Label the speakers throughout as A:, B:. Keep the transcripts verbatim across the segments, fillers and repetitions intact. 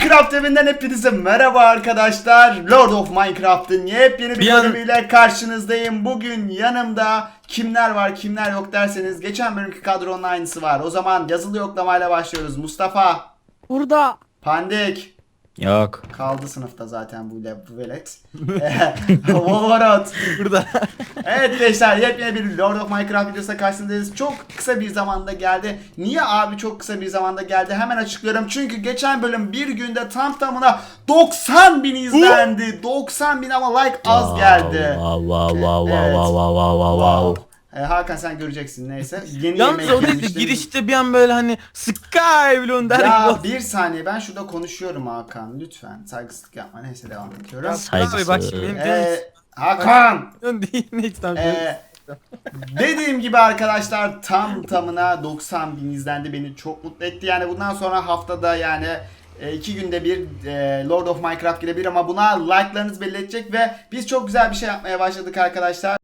A: Minecraft evinden hepinize merhaba arkadaşlar. Lord of Minecraft'ın yepyeni bir, bir bölümüyle an... karşınızdayım. Bugün yanımda kimler var kimler yok derseniz geçen bölümki kadronun aynısı var. O zaman yazılı yoklamayla başlıyoruz. Mustafa.
B: Burada.
A: Pandik.
C: Yok.
A: Kaldı sınıfta zaten bu, bu velet. Wolverot.
B: Burada.
A: Evet gençler, yepyeni bir Lord of Minecraft videosuna karşınızdayız. Çok kısa bir zamanda geldi. Niye abi çok kısa bir zamanda geldi? Hemen açıklıyorum. Çünkü geçen bölüm bir günde tam tamına doksan bin izlendi. doksan bin ama like az geldi.
C: Wow wow wow
A: Evet.
C: wow wow wow wow wow.
A: Ee, Hakan sen göreceksin neyse. Yeni
B: Yalnız
A: yemek
B: o değil de
A: yemiştim.
B: girişte bir an böyle hani Skybloon der
A: Ya
B: gibi.
A: bir saniye, ben şurada konuşuyorum Hakan. Lütfen saygısızlık yapma. Neyse devam ediyorum.
C: Saygısız.
B: Bak şimdi benim
A: Ee, Hakan.
B: canım değil neyse tamam.
A: Ee, dediğim gibi arkadaşlar tam tamına doksan bin izlendi, beni çok mutlu etti. Yani bundan sonra haftada yani e, iki günde bir e, Lord of Minecraft gelebilir ama buna like'larınız belli edecek ve biz çok güzel bir şey yapmaya başladık arkadaşlar.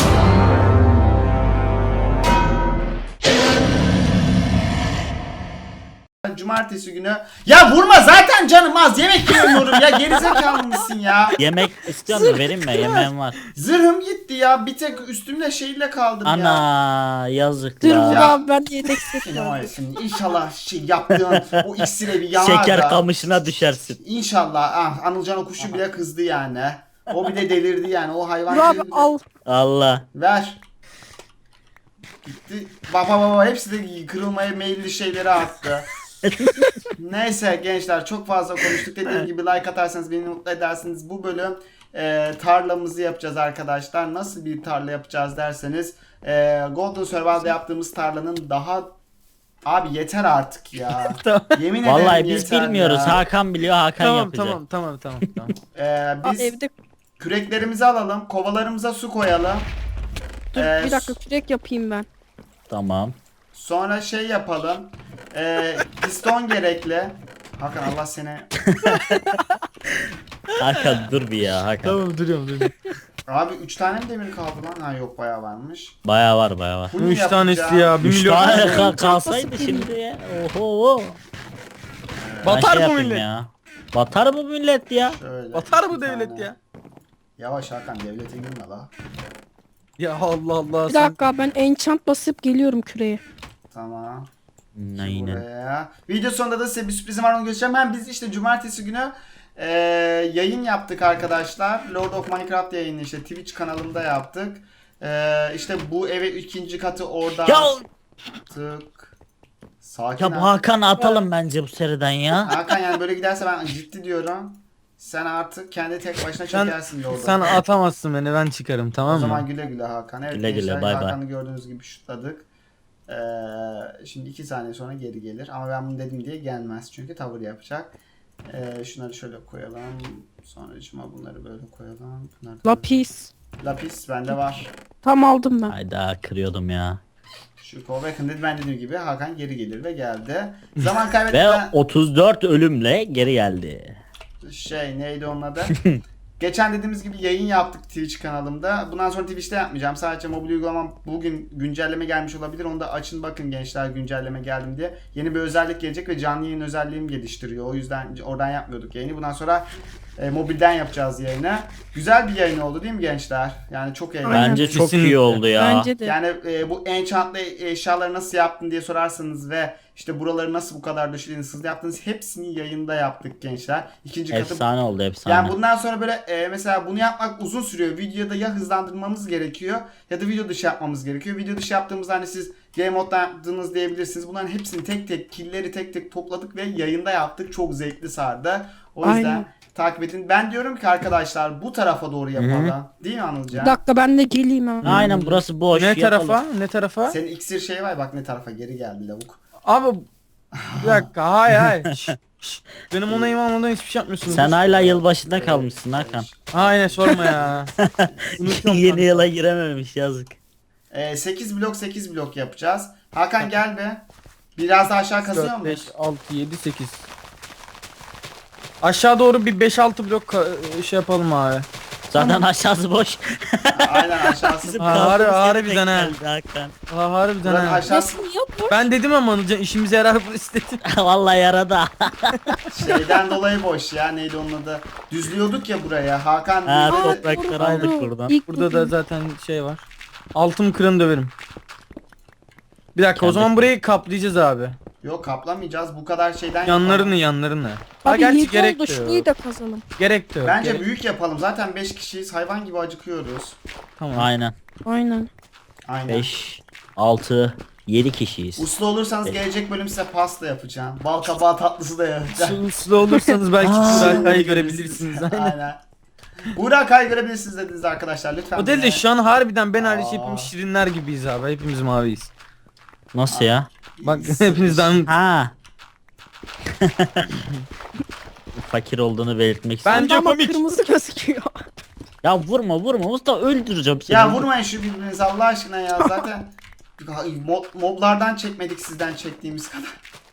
A: Cumartesi günü. Ya vurma, zaten canım az, yemek yemiyorum ya, gerizekalı mısın ya?
C: Yemek istiyor musun? Vereyim mi? Yemeğim var.
A: Zırhım gitti ya, bir tek üstümde şeyle kaldım ya.
C: Ana
B: Dur
C: yazıklar.
A: Ya.
B: abi ben yedek
A: Senin var ya
B: seçiyorum.
A: senin, İnşallah şey yaptığın o iksire bir yanar
C: Şeker
A: da.
C: kamışına düşersin.
A: İnşallah. Ah, Anılcan o kuşu bile kızdı yani. O bile delirdi yani, o hayvan.
B: Dur abi
A: delirdi.
B: al.
C: Allah.
A: Ver. Gitti. Baba baba hepsi de kırılmaya meyilli şeyleri attı. Neyse gençler, çok fazla konuştuk. Dediğim gibi like atarsanız beni mutlu edersiniz. Bu bölüm e, tarlamızı yapacağız arkadaşlar. Nasıl bir tarla yapacağız derseniz e, Golden Survival'da yaptığımız tarlanın daha... Abi yeter artık ya. Yemin ederim
C: Vallahi biz
A: yeter
C: bilmiyoruz.
A: ya.
C: Hakan biliyor. Hakan
B: Tamam
C: yapacak.
B: tamam tamam tamam tamam.
A: Ee,
B: Aa,
A: biz
B: evde
A: küreklerimizi alalım. Kovalarımıza su koyalım.
B: dur
A: Ee,
B: bir dakika kürek yapayım ben.
C: Tamam.
A: Sonra şey yapalım. Ee, piston gerekli. Hakan Allah seni.
C: Hakan dur bir ya Hakan.
B: Tamam duruyorum duruyorum.
A: Abi üç tane mi demir kaldı lan? Ha yok, bayağı varmış.
C: Baya var baya var.
A: Bunu
B: üç
A: yapacağım.
B: tanesi ya bir
C: Üç
B: milyon.
C: tane
B: Milyon.
C: kal- kalsaydı şimdi ya. Oho. Ben
B: Batar
C: şey
B: bu
C: yapayım
B: millet.
C: ya. Batar bu millet ya.
A: Şöyle,
B: Batar
A: iki
B: bu devlet
A: tane.
B: ya.
A: Yavaş Hakan, devlete girme la.
B: Ya Allah Allah
D: Bir
B: sen.
D: dakika ben enchant basıp geliyorum küreye.
A: Tamam.
C: Aynen.
A: Buraya. Video sonunda da size bir sürprizim var, onu göstereceğim. Hem biz işte cumartesi günü e, yayın yaptık arkadaşlar. Lord of Minecraft yayını işte Twitch kanalımda yaptık. E, işte bu eve ikinci katı orada
C: Ya,
A: yaptık. Sakin
C: ya bu
A: ol.
C: Hakan'ı atalım bence bu seriden ya.
A: Hakan yani böyle giderse ben ciddi diyorum. Sen artık kendi tek başına
B: Sen,
A: çekersin Lord'u.
B: sen atamazsın beni ben çıkarım
A: O
B: tamam
A: zaman
B: mı?
A: güle güle Hakan. Evet
C: Güle güle,
A: gençler,
C: bay bay.
A: Hakan'ı gördüğünüz gibi şutladık. Ee, şimdi iki saniye sonra geri gelir. Ama ben bunu dedim diye gelmez. Çünkü tavır yapacak. Ee, şunları şöyle koyalım. Sonra cuma bunları böyle koyalım. Bunları da-
D: Lapis.
A: Lapis bende var.
D: Tam aldım ben.
C: Hayda kırıyordum ya.
A: Şu Kovakın dedi, ben dediğim gibi Hakan geri gelir ve geldi. Zaman
C: Ve
A: kaybetmeden
C: otuz dört ölümle geri geldi.
A: şey neydi onun adı? Geçen dediğimiz gibi yayın yaptık Twitch kanalımda. Bundan sonra Twitch'te yapmayacağım. Sadece mobil uygulamam bugün güncelleme gelmiş olabilir. Onu da açın bakın gençler, güncelleme geldim diye. Yeni bir özellik gelecek ve canlı yayın özelliğimi geliştiriyor. O yüzden oradan yapmıyorduk yayını. Bundan sonra e, mobilden yapacağız yayını. Güzel bir yayın oldu değil mi gençler? Yani çok eğlenceli.
D: Aynen.
C: Bence çok
B: Kesinlikle.
C: iyi oldu ya.
D: Bence de.
A: Yani e, bu enchantlı eşyaları nasıl yaptın diye sorarsanız ve işte buraları nasıl bu kadar döşediniz, hızlı yaptınız, hepsini yayında yaptık gençler. İkinci katı.
C: Efsane oldu efsane.
A: Yani bundan sonra böyle e, mesela bunu yapmak uzun sürüyor. Videoda ya hızlandırmamız gerekiyor ya da video dışı yapmamız gerekiyor. Video dışı yaptığımızda hani siz game moddan yaptığınız diyebilirsiniz. Bunların hepsini tek tek, killleri tek tek topladık ve yayında yaptık. Çok zevkli sardı. O yüzden
D: Aynen.
A: takip edin. Ben diyorum ki arkadaşlar bu tarafa doğru yapalım. Değil mi Anılcan?
D: Bir dakika ben de geleyim ha.
C: Aynen burası boş.
B: Ne
C: yapalım.
B: tarafa? Ne tarafa?
A: Senin iksir şey var, bak ne tarafa geri geldi lavuk.
B: Abi bir dakika hayır hayır. Şş, şş. Benim onayım almadan hiçbir şey yapmıyorsunuz.
C: Sen hala yılbaşında kalmışsın Hakan.
B: Aynen sorma ya. Unutuyorum
C: Yeni
B: ben.
C: yıla girememiş yazık.
A: E, sekiz blok sekiz blok yapacağız. Hakan gel be. Biraz daha aşağı kazıyor
B: dört,
A: mu?
B: beş, altı, yedi, sekiz. Aşağı doğru bir beş altı blok ka- şey yapalım abi.
C: Zaten aşağısı boş.
A: Aynen aşağısı.
C: Bizim
B: Ha,
C: kaldığımız
B: harbi-
C: yere
B: harbiden
C: denk
B: ha.
C: geldi Hakan.
B: Ha harbiden
A: Buranın
B: ha.
A: aşağısı.
D: Nasıl ya
B: Ben dedim ama Anılcan işimize yarar bu istedim.
C: Vallahi yaradı.
A: Şeyden dolayı boş ya, neydi onun adı? Düzlüyorduk ya buraya. Hakan
C: Ha,
A: düzledi.
C: toprakları
D: doğru,
C: aldık
D: doğru.
C: buradan.
D: İlk
B: Burada da
D: bugün.
B: zaten şey var. Altın kırın döverim. Bir dakika o
C: Kendi-
B: zaman burayı kaplayacağız abi.
A: Yok kaplamayacağız, bu kadar şeyden
B: Yanlarını
A: yapalım.
B: yanlarını. Ha
D: Abi
B: gerçi
D: yedi
B: gerek
D: oldu
B: de
D: şurayı
B: yok.
D: da kazalım.
B: Gerek de yok.
A: Bence
B: gerek-
A: büyük yapalım, zaten beş kişiyiz, hayvan gibi acıkıyoruz.
B: Tamam.
C: Aynen.
D: Aynen.
A: Aynen.
C: beş, altı, yedi kişiyiz.
A: Uslu olursanız
C: Beş.
A: gelecek bölüm size pasta yapacağım. Bal kabağı tatlısı da yapacağım.
B: Su- Uslu olursanız belki
C: Aa.
B: Burak'ı görebilirsiniz. Aynen.
A: Aynen. Burak'ı görebilirsiniz dediniz arkadaşlar, lütfen.
B: O değil de
A: beni-
B: şu an harbiden ben hariç
A: Aa.
B: hepimiz şirinler gibiyiz abi. Hepimiz maviyiz.
C: Nasıl ya?
B: Bak
A: İyi,
B: hepinizden
C: Ha. Fakir olduğunu belirtmek
B: Ben-
C: istedim.
B: Bence
D: Ama
B: komik.
D: kırmızı gözüküyor.
C: Ya vurma vurma usta, öldüreceğim seni.
A: Ya vurmayın şu birbirinize Allah aşkına ya, zaten mob, moblardan çekmedik sizden çektiğimiz kadar.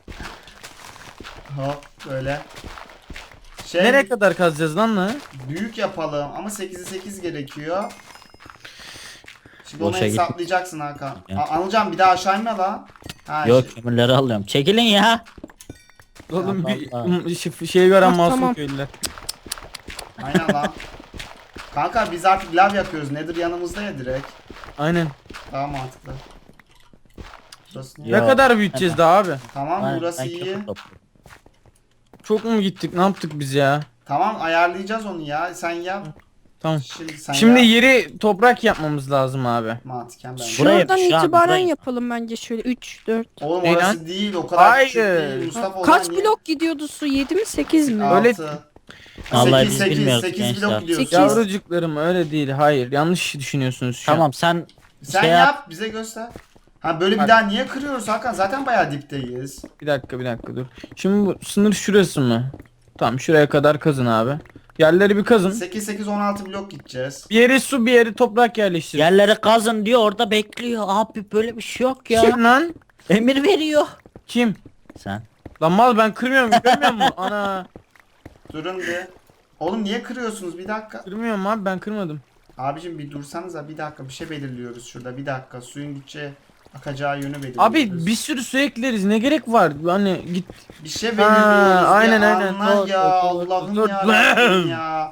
A: Hop böyle. Şey,
B: nereye kadar kazacağız lan lan?
A: büyük yapalım ama sekize sekiz gerekiyor. Şimdi onu
C: Boşa git.
A: hesaplayacaksın Hakan.
C: Ya.
A: A- Anılcan bir daha aşağı inme lan. Ha,
C: Yok,
A: şey-
C: kömürleri alıyorum. Çekilin ya.
B: Oğlum
C: Ya
B: bir
C: vallahi.
B: m- şey- şeyi gören
D: Ah,
B: masum
D: tamam.
B: köylüler.
A: Aynen lan. Kanka biz artık lav yakıyoruz. Nedir yanımızda ya direkt.
B: Aynen.
A: Daha mantıklı. Burası niye?
C: Ya.
B: Ne kadar büyüteceğiz daha abi?
A: Tamam
C: Ben-
A: burası
C: ben
A: iyi.
C: kömür topluyorum.
B: Çok mu gittik? Ne yaptık biz ya?
A: Tamam ayarlayacağız onu ya. Sen yap.
B: Tamam.
A: Şimdi sen
B: Şimdi
A: yap.
B: yeri toprak yapmamız lazım abi.
A: Mantıken ben.
C: Buraya-
D: Şuradan
C: şu an
D: itibaren
C: buraya-
D: yapalım bence şöyle üç, dört.
A: Oğlum
B: Ne
A: orası
B: lan?
A: değil o kadar küçük
B: Hayır.
A: değil. Mustafa
D: Kaç blok gidiyordu su? yedi mi sekiz mi?
B: Öyle-
A: Öyle.
C: Vallahi
A: sekiz,
C: biz
A: sekiz,
C: bilmiyoruz
A: sekiz
C: gençler.
A: blok gidiyoruz.
D: Sekiz.
B: Yavrucuklarım öyle değil. Hayır. Yanlış düşünüyorsunuz şu an.
C: Tamam sen
A: Sen
C: şey
A: yap,
C: yap.
A: bize göster. Ha böyle bir
B: Bak.
A: daha niye kırıyoruz Hakan? Zaten bayağı dipteyiz.
B: Bir dakika bir dakika dur. Şimdi bu sınır şurası mı? Tamam şuraya kadar kazın abi. Yerleri bir kazın.
A: sekiz sekiz on altı blok gideceğiz.
B: Bir yeri su bir yeri toprak yerleştir.
C: Yerleri kazın diyor, orada bekliyor. Abi böyle bir şey yok ya.
B: Kim lan?
C: Emir veriyor.
B: Kim?
C: Sen.
B: Lan mal ben kırmıyorum görmüyor musun? Ana.
A: Durun bir. Oğlum niye kırıyorsunuz? Bir dakika.
B: Kırmıyorum abi ben kırmadım.
A: Abicim bir dursanıza, bir dakika bir şey belirliyoruz şurada. Bir dakika suyun gideceği akacağı yönü belirliyoruz.
B: Abi bir sürü su ekleriz ne gerek var? Hani git.
A: bir şey
B: Ha,
A: belirliyoruz.
B: aynen,
A: bir
B: aynen.
A: anla
B: Doğru,
A: ya
B: doğru,
A: Allah'ım
B: doğru.
A: ya Rabbim ya.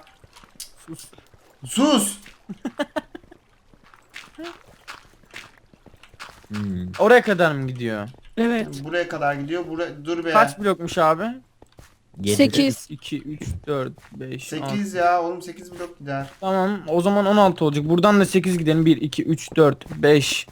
A: Sus.
C: Hmm.
B: Oraya kadar mı gidiyor?
D: Evet.
A: Buraya kadar gidiyor. Buraya dur be.
B: Kaç blokmuş abi?
C: Yedi.
D: sekiz.
B: iki, üç, dört, beş,
A: sekiz ya oğlum, sekiz blok gider.
B: Tamam o zaman on altı olacak. Buradan da sekiz gidelim. bir, iki, üç, dört, beş,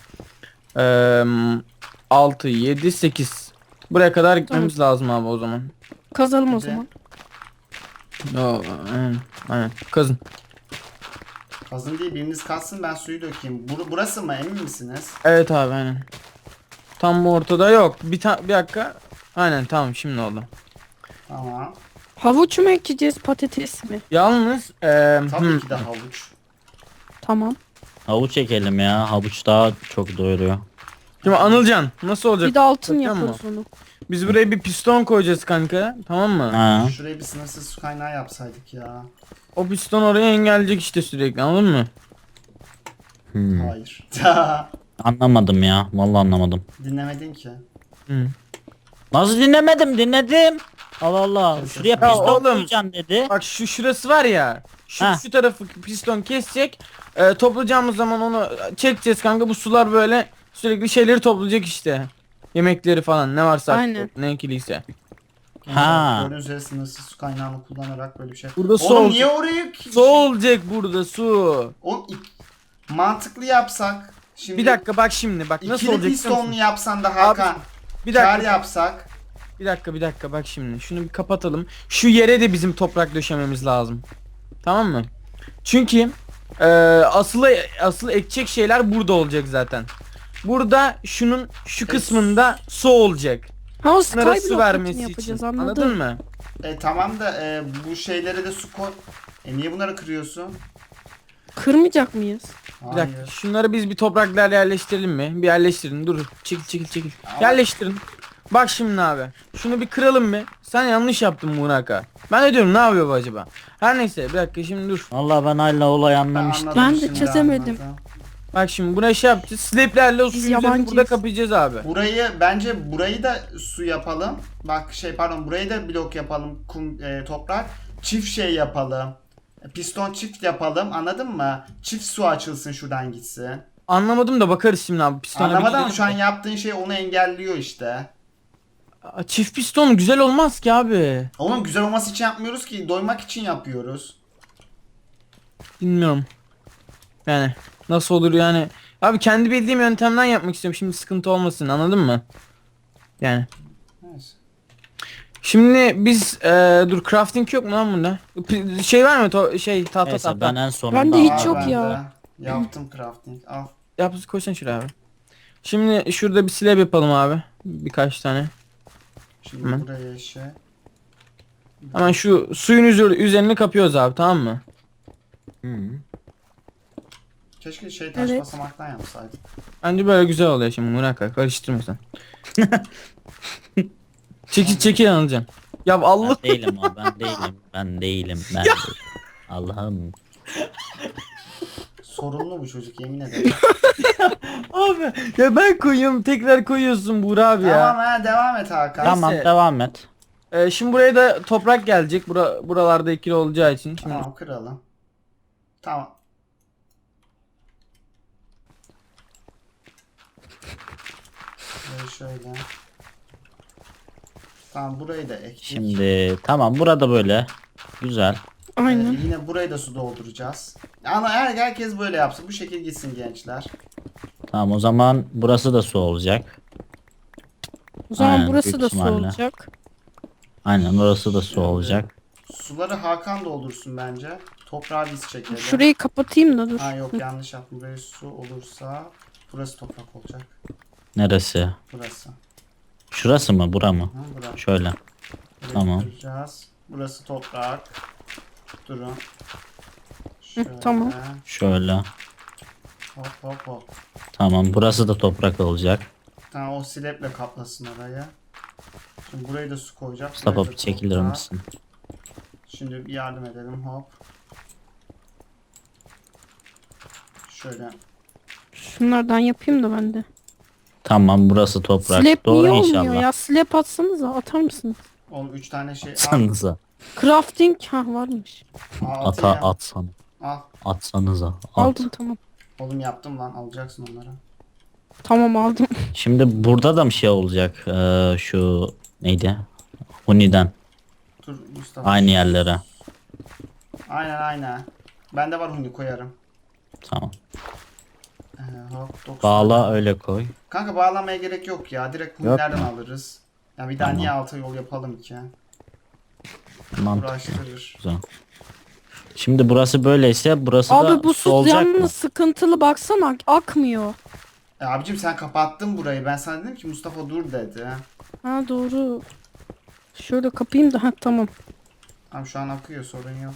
B: altı, yedi, sekiz. Buraya kadar gitmemiz lazım abi o zaman.
D: Kazalım o
A: Bir de-
D: zaman.
B: Yo, aynen, aynen. Kazın.
A: Kazın değil, biriniz kazsın ben suyu dökeyim. Bur burası mı, emin misiniz?
B: Evet abi aynen. Tam bu ortada yok. Bir, ta bir dakika. Aynen tamam şimdi oldu.
A: Tamam.
D: Havuç mu ekeceğiz patates mi?
B: Yalnız eee,
A: Tabii
B: hmm,
A: ki de havuç.
D: Tamam.
C: Havuç çekelim ya. Havuç daha çok doyuruyor.
B: şimdi Anılcan nasıl olacak?
D: Bir de altın
B: Bakıyor
D: yaparız
B: musun?
D: onu.
B: Biz buraya bir piston koyacağız kanka. Tamam mı?
C: Ha.
A: Şuraya bir sınırsız su kaynağı yapsaydık ya.
B: O piston oraya engelleyecek işte sürekli anladın mı?
C: Hmm.
A: Hayır.
C: Anlamadım ya. Vallahi anlamadım.
A: Dinlemedin ki.
B: Hı.
C: Nasıl dinlemedim? Dinledim. Allah Allah. Şuraya
B: Ya
C: piston
B: oğlum.
C: koyacaksın dedi.
B: Bak şu şurası var ya. Şu,
C: Ha.
B: şu tarafı piston kesecek. Ee, toplayacağımız zaman onu çekeceğiz kanka. Bu sular böyle sürekli şeyleri toplayacak işte. Yemekleri falan ne varsa artık,
D: Aynen.
B: ne ekiliyse.
C: Ha.
A: Gördüğünüz üzere sınırsız su kaynağını kullanarak böyle bir şey.
B: Burada su
A: Oğlum
B: olacak.
A: niye oraya...
B: Su olacak burada su.
A: Oğlum ik- mantıklı yapsak. Şimdi
B: Bir dakika bak şimdi bak nasıl
A: İkili
B: olacak biliyor
A: pistonlu
B: musun?
A: yapsan da Hakan.
B: Bir
A: Kar
B: dakika.
A: yapsak.
B: Bir dakika bir dakika bak şimdi. Şunu bir kapatalım. Şu yere de bizim toprak döşememiz lazım. Tamam mı? Çünkü e, asıl asıl ekecek şeyler burada olacak zaten. Burada şunun şu kısmında su olacak.
D: Ha o
B: Bunlara su
D: skyblock
B: vermesi
D: için
B: için.
D: yapacağız
B: Anladın
D: anladın
B: mı?
A: E tamam da e, bu şeylere de su koy. E niye bunları kırıyorsun?
D: Kırmayacak mıyız?
B: Bir dakika. Şunları biz bir topraklarla yerleştirelim mi? Bir yerleştirin. Dur. Çekil çekil çekil. Yerleştirin. Bak şimdi abi. Şunu bir kıralım mı? Sen yanlış yaptın Muraka. Ben de diyorum ne yapıyor bu acaba? Her neyse bir dakika şimdi dur.
C: Vallahi ben hala olayı
A: Ben
C: anlamıştım.
A: anladım
D: Ben de
A: şimdi,
D: çözemedim.
A: anladım.
B: Bak şimdi buraya şey yapacağız. Slaplerle o
D: Biz
B: suyun üzerini
D: yabancıyız.
B: burada kapayacağız abi.
A: Burayı bence burayı da su yapalım. Bak şey pardon burayı da blok yapalım. Kum e, toprak. Çift şey yapalım. Piston çift yapalım. Anladın mı? Çift su açılsın şuradan gitsin.
B: Anlamadım da bakarız şimdi abi. Pistona bir
A: Anlamadın mı?
B: gidelim
A: Şu an
B: de.
A: yaptığın şey onu engelliyor işte.
B: Aa, Çift piston güzel olmaz ki abi.
A: Oğlum güzel olması için yapmıyoruz ki. Doymak için yapıyoruz.
B: Bilmiyorum. Yani nasıl olur yani. Abi kendi bildiğim yöntemden yapmak istiyorum. Şimdi sıkıntı olmasın, anladın mı? Yani.
A: Neyse.
B: Şimdi biz eee, dur crafting yok mu lan bunda? P- Şey var mı to şey tahta
C: Neyse
B: tahta.
C: ben en sonunda
D: Bende hiç
A: Aa,
D: yok
A: ben
D: ya.
A: de Yaptım crafting. Al.
B: Yap koysan şuraya abi. Şimdi şurada bir slab yapalım abi. Birkaç tane.
A: Şimdi
B: Hemen.
A: buraya şey.
B: Hemen şu suyun üzeri- üzerini kapıyoruz abi, tamam mı?
C: Hı.
A: Keşke şey taş
D: Evet.
A: basamaktan yapsaydık.
B: Bence böyle güzel oluyor şimdi, Murat karıştırma sen. Çekil çekil Anılcan. Ya Allah.
C: Ben değilim o ben değilim ben değilim ben değilim. Allah'ım.
A: Sorunlu bu çocuk yemin ederim.
B: Abi ya ben koyuyorum, tekrar koyuyorsun Buğra abi ya.
A: Tamam ha devam et Hakan.
C: Tamam
B: Neyse.
C: devam et.
B: Ee, şimdi buraya da toprak gelecek. Bura, buralarda ikili olacağı için. Şimdi
A: Tamam kıralım. Tamam. Böyle şöyle. Tamam burayı da ektik.
C: Şimdi tamam burada böyle. Güzel.
A: Ee,
D: Aynen.
A: yine burayı da su dolduracağız. Ama her, herkes böyle yapsın. Bu şekil gitsin gençler.
C: Tamam o zaman burası da su olacak.
D: O zaman
C: Aynen,
D: burası
C: büyük
D: da su
C: ihtimalle.
D: olacak.
C: Aynen orası da su olacak.
A: Suları Hakan doldursun bence. Toprağı biz çekelim.
D: Şurayı kapatayım da dur.
A: Ha yok yanlış yaptım. Buraya su olursa burası toprak olacak.
C: Neresi?
A: Burası.
C: Şurası mı? Bura mı?
A: Ha, burası.
C: Şöyle.
A: Burayı
C: Tamam.
A: kıracağız. Burası toprak. Durun.
D: Hı,
A: Şöyle.
D: tamam.
C: Şöyle.
A: Hop hop hop.
C: Tamam burası da toprak olacak.
A: Tamam o sileple kaplasın orayı. Şimdi burayı da su koyacak.
C: Mustafa
A: buraya da
C: bir çekilir
A: toprak.
C: misin?
A: Şimdi bir yardım edelim hop. Şöyle.
D: Şunlardan yapayım da ben de.
C: Tamam burası toprak.
D: Slap
C: Doğru
D: niye olmuyor
C: inşallah.
D: ya? Slap atsanıza, atar mısınız?
A: Oğlum üç tane şey al.
C: Atsanıza.
D: Crafting ha varmış.
A: Al,
C: Ata
A: atayım.
C: atsan.
A: Al.
C: Atsanıza. At.
D: Aldım tamam.
A: Oğlum yaptım lan alacaksın onları.
D: Tamam aldım.
C: Şimdi burada da bir şey olacak. Ee, şu neydi? Huni'den.
A: Dur Mustafa.
C: Aynı yerlere.
A: Aynen aynen. Bende var huni koyarım.
C: Tamam.
A: Ee, hop dokuz
C: Bağla
A: tane.
C: öyle koy.
A: Kanka bağlamaya gerek yok ya. Direkt
C: Yok
A: hunilerden
C: mu?
A: alırız. Ya bir daha
C: Tamam.
A: niye alta yol yapalım ki?
C: Mantıklı.
A: Uğraştırır.
C: Güzel. Şimdi burası böyleyse burası
D: Abi
C: da
D: bu
C: su
D: su
C: olacak mı?
D: yalnız sıkıntılı, baksana akmıyor.
A: E, abicim sen kapattın burayı. Ben sana dedim ki Mustafa dur dedi.
D: Ha doğru. Şöyle kapayım da ha tamam.
A: Tamam şu an akıyor sorun yok.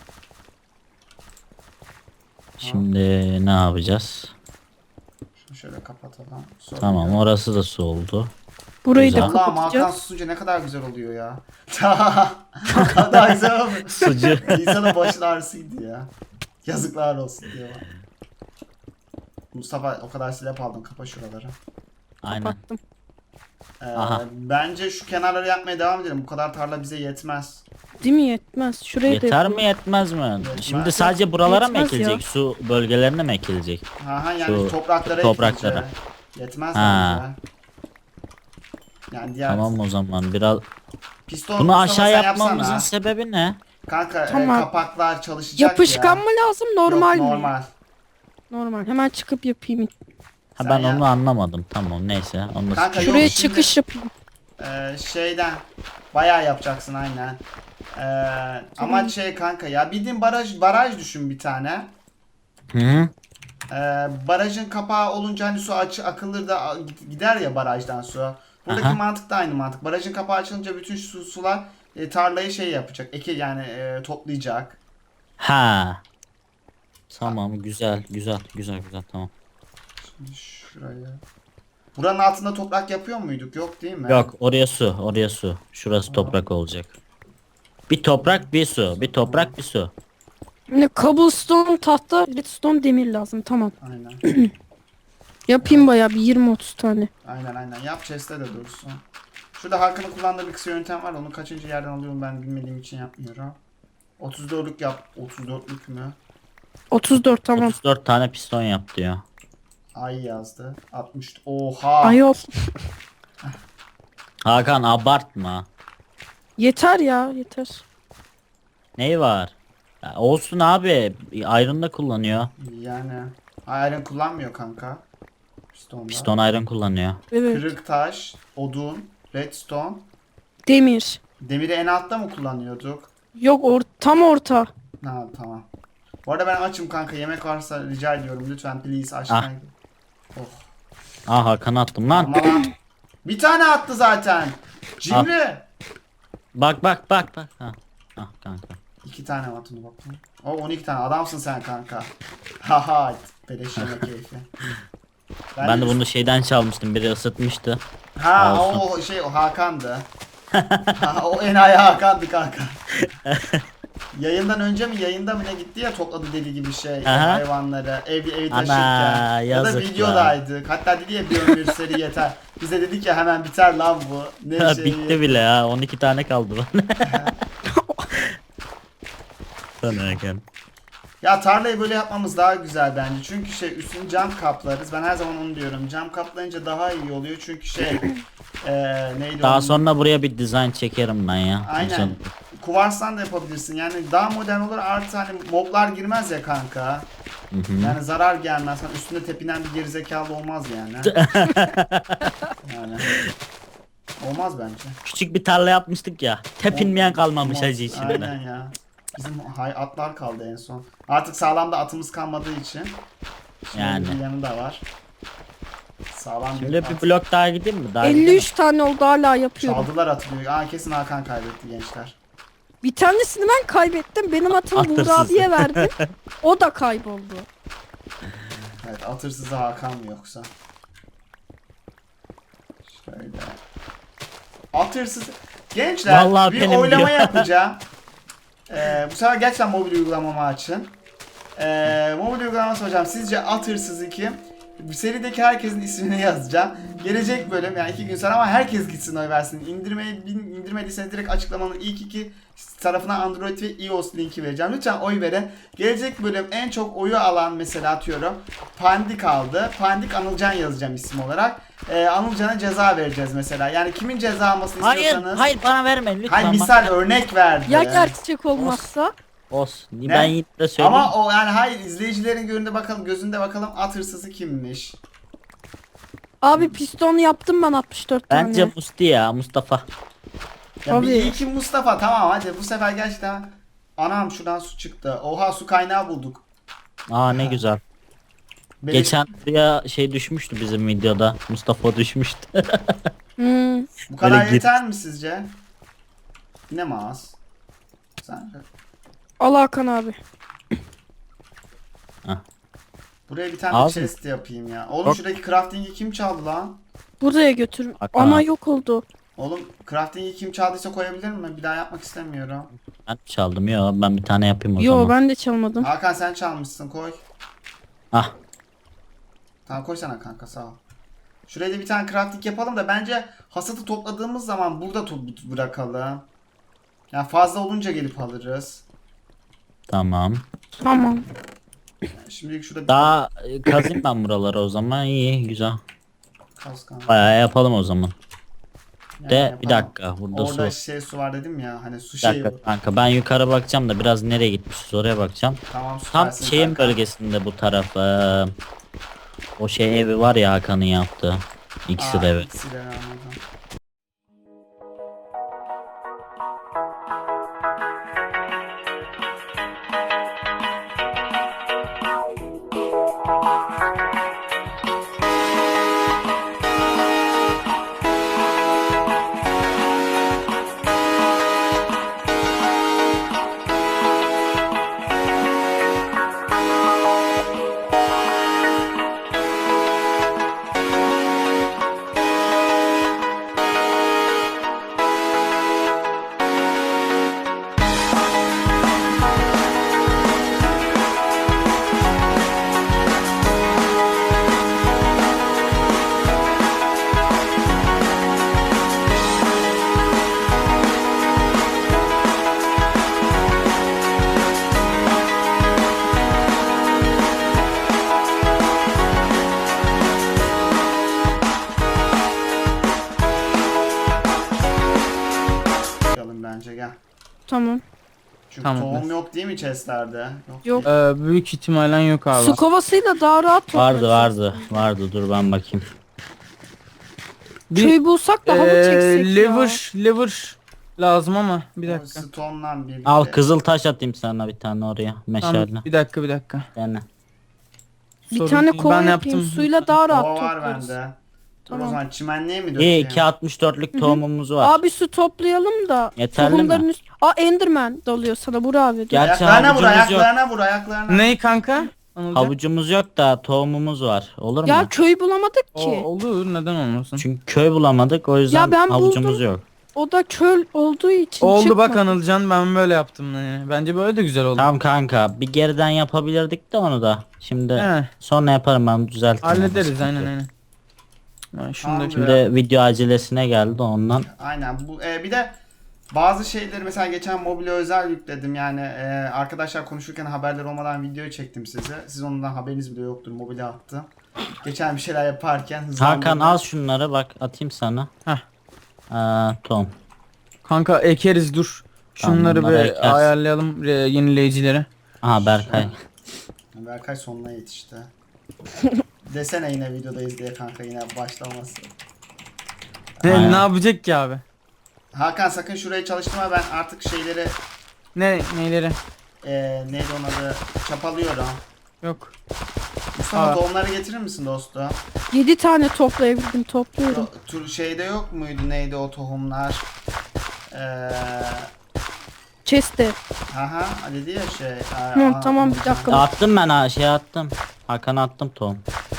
C: Şimdi ne yapacağız?
A: Şunu şöyle kapatalım. Sorun
C: Tamam
A: yok.
C: orası da su oldu.
D: Burayı
C: Güzel.
D: da
A: Allah'ım Hakan
D: kapatacağız.
A: susunca ne kadar güzel oluyor ya. Ne kadar güzel oluyor.
C: Sucu.
A: İnsanın başın ağrısıydı ya. Yazıklar olsun diyor. Mustafa o kadar silap aldın kapa şuraları.
C: Aynen.
D: Kapattım.
A: Ee,
C: Aha.
A: bence şu kenarları yapmaya devam edelim. Bu kadar tarla bize yetmez.
D: Değil mi, yetmez. Şurayı da
C: Yeter
D: yapalım.
C: mi yetmez mi?
A: Yetmez.
C: Şimdi sadece buralara mı
D: Yetmez ya.
C: ekilecek? Su bölgelerine mi ekilecek?
A: Aha yani
C: Şu
A: topraklara
C: topraklara.
A: ekleyeceğiz. Yetmez
C: Ha.
A: bence. Yani diğer
C: Tamam o zaman biraz.
A: piston
C: Bunu
A: Mustafa
C: aşağı
A: sen
C: yapmamızın
A: yapsana.
C: sebebi ne?
A: Kanka e,
D: Tamam.
A: kapaklar çalışacak
D: Yapışkan
A: ya.
D: mı lazım, normal
A: Yok,
D: mi?
A: normal.
D: Normal. Hemen çıkıp yapayım.
C: Ha
A: Sen
C: ben
A: yap.
C: onu anlamadım. Tamam neyse. Onu da
A: Kanka, yok,
D: Şuraya
A: şimdi-
D: çıkış yapayım.
A: Ee, şeyden bayağı yapacaksın aynen. Ee, ama şey kanka ya bildiğin baraj baraj düşün bir tane.
C: Hı -hı.
A: Ee, barajın kapağı olunca hani su aç akılır da a- gider ya barajdan su. Buradaki
C: Aha.
A: mantık da aynı mantık. Barajın kapağı açılınca bütün su, sular e, tarlayı şey yapacak. Eki yani e, toplayacak.
C: Ha. Tamam güzel güzel güzel güzel tamam.
A: Şimdi şuraya. Buranın altında toprak yapıyor muyduk? Yok değil mi?
C: Yok oraya su oraya su. Şurası toprak olacak. Bir toprak bir su. Bir toprak bir su.
D: Ne cobblestone, tahta, redstone, demir lazım. Tamam.
A: Aynen.
D: Yapayım bayağı bir yirmi otuz tane.
A: Aynen aynen. Yap chest'te de dursun. Şurada Hakan'ın kullandığı bir kısa yöntem var. Onu kaçıncı yerden alıyorum ben bilmediğim için yapmıyorum. otuz dörtlük yap. otuz dörtlük mü?
D: otuz dört tamam.
C: otuz dört tane piston yap diyor.
A: Ay yazdı. altmış. Oha.
D: Ayol.
C: Hakan abartma.
D: Yeter ya yeter.
C: Neyi var? Ya olsun abi. Iron da kullanıyor.
A: Yani. Iron kullanmıyor kanka. Pistonda.
C: Piston iron kullanıyor.
D: Evet.
A: Kırık taş, odun, redstone.
D: Demir.
A: Demiri en altta mı kullanıyorduk?
D: Yok or tam orta.
A: Ha tamam. Bu arada ben açım kanka. Yemek varsa rica ediyorum. Lütfen please aşağıya. Oh.
C: Aa Hakan attım lan.
A: Ama lan. Bir tane attı zaten. Cimri.
C: Bak bak bak bak. Ha. Ah kanka.
A: İki tane var bunu bakayım. O on iki tane. Adamsın sen kanka. Haha. Beleş yemek keyfi.
C: Ben de bunu şeyden çalmıştım. Biri ısıtmıştı.
A: Ha
C: Olsun.
A: o şey o Hakan'dı. Ha, o enayi Hakan'dı kanka. Yayından önce mi yayında mı ne gitti ya topladı deli gibi şey
C: Aha.
A: hayvanları ev evi
C: Ana,
A: taşırken ya da
C: yazık
A: videodaydık. Hatta dedi ya bir ömür seri yeter. Bize dedik ya hemen biter lan bu. Ne
C: Ha,
A: şeyi.
C: bitti bile ha. on iki tane kaldı bana. Sana Hakan.
A: Ya tarlayı böyle yapmamız daha güzel bence. Çünkü şey üstünü cam kaplarız. Ben her zaman onu diyorum. Cam kaplayınca daha iyi oluyor. Çünkü şey eee neydi
C: Daha
A: onun-
C: sonra buraya bir dizayn çekerim ben ya.
A: Aynen. Kuvarstan da yapabilirsin. Yani daha modern olur artı hani moblar girmez ya kanka.
C: Hı hı.
A: Yani zarar gelmez. Hani üstünde tepinen bir gerizekalı olmaz yani. Yani. Olmaz bence.
C: Küçük bir tarla yapmıştık ya. Tepinmeyen kalmamış
A: Olmaz.
C: hacı içinde.
A: Aynen ya. Bizim hay atlar kaldı en son. Artık sağlam da atımız kalmadığı için. Şimdi
C: Yani.
A: bir yanı da var. Sağlam
C: Şimdi
A: bir
C: bir
A: at.
C: blok daha gideyim mi? Daha
D: elli üç tane oldu hala yapıyorum.
A: Çaldılar atı diyor. Aa kesin Hakan kaybetti gençler.
D: Bir tanesini ben kaybettim. Benim atımı
C: Atırsız.
D: Buğra abiye verdim. O da kayboldu.
A: Evet atırsızı Hakan mı yoksa? Şöyle. Atırsız. Gençler
C: Vallahi
A: bir
C: benim
A: oylama
C: diyor.
A: yapacağım. Ee, bu sefer gerçekten mobil uygulamamı açın. Ee, mobil uygulaması hocam sizce at hırsızı kim? Bu serideki herkesin ismini yazacağım. Gelecek bölüm yani iki gün sonra ama herkes gitsin oy versin. İndirmeyi indirmediyseniz direkt açıklamanın ilk iki tarafına Android ve iOS linki vereceğim. Lütfen oy verin. Gelecek bölüm en çok oyu alan mesela atıyorum. Pandik aldı. Pandik Anılcan yazacağım isim olarak. Ee, Anılcan'a ceza vereceğiz mesela. Yani kimin ceza almasını
C: Hayır,
A: istiyorsanız.
C: hayır bana verme lütfen.
A: Hayır
C: bak.
A: misal örnek verdi.
D: Ya gerçek olmazsa?
C: Olsun.
A: Ne?
C: Ben yine de söyleyeyim.
A: Ama o yani hayır izleyicilerin gözünde bakalım gözünde bakalım at hırsızı kimmiş.
D: Abi piston yaptım ben altmış dört tane.
C: Bence Musti ya Mustafa.
A: Ya bir
D: Tabii.
A: iyi ki Mustafa tamam hadi bu sefer gerçekten anam şuradan su çıktı. Oha su kaynağı bulduk.
C: Aa ne güzel.
A: Beleş-
C: Geçen buraya şey düşmüştü bizim videoda. Mustafa düşmüştü.
D: Hmm.
A: bu kadar
C: Böyle gir-
A: yeter mi sizce? Yine mi az? Sen
D: Al Hakan abi.
A: buraya bir tane
C: Az mı?
A: chest yapayım ya. Oğlum
C: Bak.
A: şuradaki crafting'i kim çaldı lan?
D: Buraya götür.
C: Hakan
D: Ana
C: abi.
D: yok oldu.
A: Oğlum crafting'i kim çaldıysa koyabilir mi? Bir daha yapmak istemiyorum.
C: Ben çaldım ya ben bir tane yapayım o
D: Yo
C: zaman.
D: ben de çalmadım.
A: Hakan sen çalmışsın koy.
C: Ah
A: Tamam koy sana kanka sağ ol. Şuraya da bir tane crafting yapalım da bence hasadı topladığımız zaman burada to- bırakalım. Yani fazla olunca gelip alırız.
C: tamam.
D: Tamam.
A: Yani şimdilik şurada bir
C: Daha e, kazayım ben buraları o zaman. İyi güzel.
A: kas kanka.
C: Bayağı yapalım o zaman.
A: Yani
C: De
A: yapalım.
C: bir dakika burada
A: Orada
C: su.
A: şey su var dedim ya hani su
C: Bir
A: şeyi.
C: dakika kanka ben yukarı bakacağım da biraz nereye gitmişiz oraya bakacağım.
A: Tamam
C: Tam
A: süpersin
C: şeyin
A: kanka.
C: bölgesinde bu taraf. eee, o şey evi var ya Hakan'ın yaptığı. İkisi de
A: Aa,
C: evi.
A: ikisi de anladım.
D: Tamam.
A: Çünkü
B: Tamam.
A: tohum yok değil mi chestlerde?
D: Yok.
B: Ee, büyük ihtimalen yok abi.
D: Su kovasıyla daha rahat toplarız.
C: Vardı vardı. Vardı dur ben bakayım.
B: Bir,
D: Köy bulsak da halı
B: ee,
D: çeksek ya.
B: lever, lever lazım ama bir
A: O
B: dakika.
A: stone'la birlikte.
C: Al kızıl taş atayım sana bir tane oraya.
B: Tamam,
C: Meşale.
B: bir dakika bir dakika.
C: Yani.
D: Bir
B: Sorun
D: tane
B: değil.
D: kova
B: Ben
D: yapayım.
B: yaptım.
D: Suyla daha rahat
A: Kova var
D: toplarız.
A: bende. Dur
D: Tamam.
A: o zaman çimenliğe mi
C: İyi
A: dökeyim?
C: iki altmış dörtlük tohumumuz var.
D: Abi su toplayalım da.
C: Yeterli
D: tohumların
C: mi?
D: üst... Aa Enderman dalıyor sana Burak abi. Dur.
C: Gel. Gerçi
A: Ayaklarına vur,
C: havucumuz yok.
A: ayaklarına vur, ayaklarına.
B: Ney kanka? Anılcan?
C: Havucumuz yok da tohumumuz var. Olur mu?
D: Ya köy bulamadık
B: O,
D: ki.
B: olur neden olmasın?
C: Çünkü köy bulamadık o yüzden
D: Ya ben
C: havucumuz
D: buldum.
C: yok.
D: O da çöl olduğu için
B: Oldu
D: çıkmadı.
B: bak Anılcan, ben böyle yaptım yani. Bence böyle de güzel oldu.
C: Tamam kanka bir geriden yapabilirdik de onu da. Şimdi
B: He.
C: sonra yaparım ben düzeltirim.
B: Hallederiz
C: Sıkıntı
B: aynen
C: yok.
B: aynen. Ben şunu
A: Tamam,
B: da
C: Şimdi video acelesine geldi ondan.
A: Aynen. Bu e, bir de bazı şeyleri mesela geçen mobile özel yükledim. Yani e, arkadaşlar konuşurken haberler olmadan video çektim size. Siz ondan haberiniz bile yoktur. Mobile attım. Geçen bir şeyler yaparken hızlandırdım.
C: Hakan al şunları bak atayım sana.
B: Heh.
C: Ee, Tom.
B: Kanka ekeriz dur.
C: Tamam,
B: Şunları
C: bunları
B: bir
C: ekersin.
B: ayarlayalım e, yenileyicileri.
C: Aha Berkay.
A: Berkay sonuna yetişti. Desene yine videodayız diye kanka, yine başlaması.
B: Ne,
C: Aynen.
B: ne yapacak ki abi?
A: Hakan sakın şurayı çalıştırma, ben artık şeyleri
B: Ne neyleri?
A: e, neydi onun adı, çapalıyorum.
B: Yok.
A: Mustafa
B: Aa.
A: tohumları getirir misin dostum?
D: Yedi tane toplayabildim topluyorum.
A: Yo, tur şeyde yok muydu, neydi o tohumlar? Eee
D: Chest'te.
A: Aha dedi ya şey. e,
D: Tamam
A: aa,
D: tamam bir
A: aa,
D: dakika.
C: Attım ben ha şey attım. Hakan attım Tom.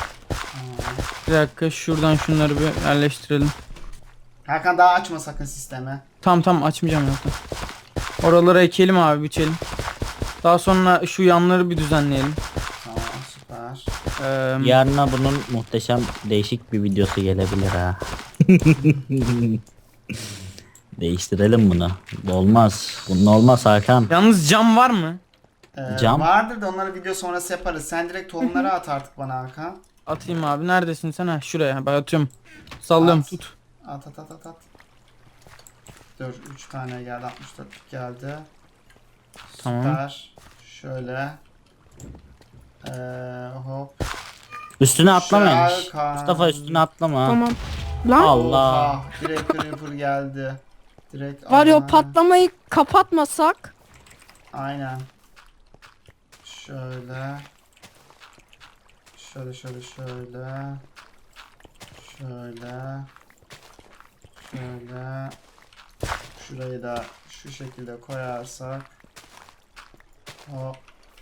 B: Bir dakika şuradan şunları bir yerleştirelim.
A: Hakan daha açma sakın sistemi.
B: Tam tam açmayacağım zaten. Oralara ekelim abi, biçelim. Daha sonra şu yanları bir düzenleyelim.
A: Tamam süper.
B: Ee,
C: Yarına bunun muhteşem değişik bir videosu gelebilir ha. Değiştirelim bunu. Olmaz. Bunun olmaz Hakan.
B: Yalnız cam var mı?
A: Ee,
C: Cam.
A: Vardır da onları video sonrası yaparız. Sen direkt tohumları at artık bana Hakan.
B: Atayım abi, neredesin sen? Ha şuraya ben atıyorum. Sallıyorum,
A: At.
B: tut.
A: At at at at at. Dur üç tane geldi, altmış dört geldi.
B: Tamam.
A: Süper. Şöyle. Ee, hop.
C: Üstüne atlamayın.
A: Hakan.
C: Mustafa üstüne atlama.
D: Tamam. Lan
C: Allah.
A: Oha, direkt creeper geldi. Direkt
D: var ya o
A: Aha.
D: patlamayı kapatmasak.
A: Aynen. Şöyle. Şöyle şöyle şöyle. Şöyle. Şöyle. Şurayı da şu şekilde koyarsak. Hop.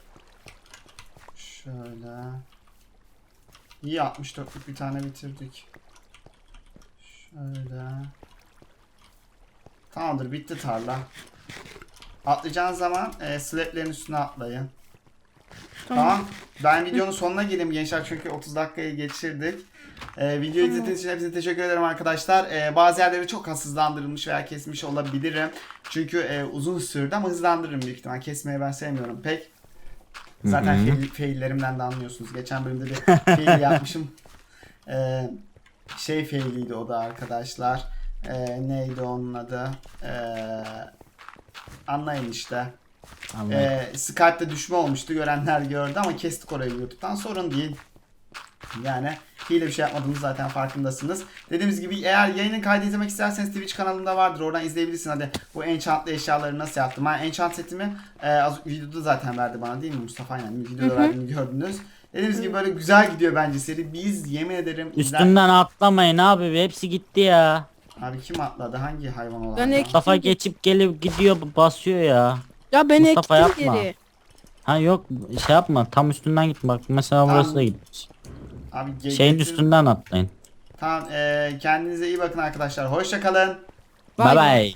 A: Şöyle. İyi, altmış dörtlük bir tane bitirdik. Şöyle. Tamamdır, bitti tarla. Atlayacağınız zaman e, slablerin üstüne atlayın.
D: Tamam.
A: Tamam. Ben videonun sonuna geleyim gençler çünkü otuz dakikayı geçirdik. E, videoyu izlediğiniz için hepinize teşekkür ederim arkadaşlar. E, bazı yerleri çok az hızlandırılmış veya kesmiş olabilirim. Çünkü e, uzun sürdü ama hızlandırırım büyük ihtimal. Kesmeyi ben sevmiyorum pek. Zaten
C: Hı hı.
A: fail, faillerimden de anlıyorsunuz. Geçen bölümde bir fail yapmışım. E, şey failiydi o da arkadaşlar. E, neydi onun adı? E, anlayın işte.
C: Anladım.
A: Ee, Skype'da düşme olmuştu. Görenler gördü ama kestik orayı YouTube'dan. Sorun değil. Yani hile bir şey yapmadığımız zaten farkındasınız. Dediğimiz gibi eğer yayının kaydı izlemek isterseniz Twitch kanalımda vardır. Oradan izleyebilirsin. Hadi bu enchantlı eşyaları nasıl yaptım. Ben enchant setimi e, az videoda zaten verdi bana değil mi Mustafa? Aynen videoda verdiğini gördünüz. Dediğimiz gibi böyle güzel gidiyor bence seri. Biz yemin ederim izler...
C: Üstünden atlamayın abi hepsi gitti ya.
A: Abi kim atladı? Hangi hayvan olan?
D: Ben ek-
C: Mustafa geçip gelip gidiyor basıyor ya.
D: Ya ben
C: Mustafa
D: ektim
C: yapma.
D: geri.
C: Ha yok şey yapma tam üstünden git bak mesela burası
A: Tamam.
C: da gitmiş.
A: Abi ge-
C: Şeyin
A: getir-
C: üstünden atlayın.
A: Tamam e, kendinize iyi bakın arkadaşlar. Hoşça kalın.
C: Bye
D: Bye
C: bye.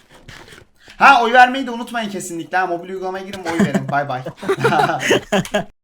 A: Ha oy vermeyi de unutmayın kesinlikle. Ha, mobil uygulamaya girin oy verin. Bay bay.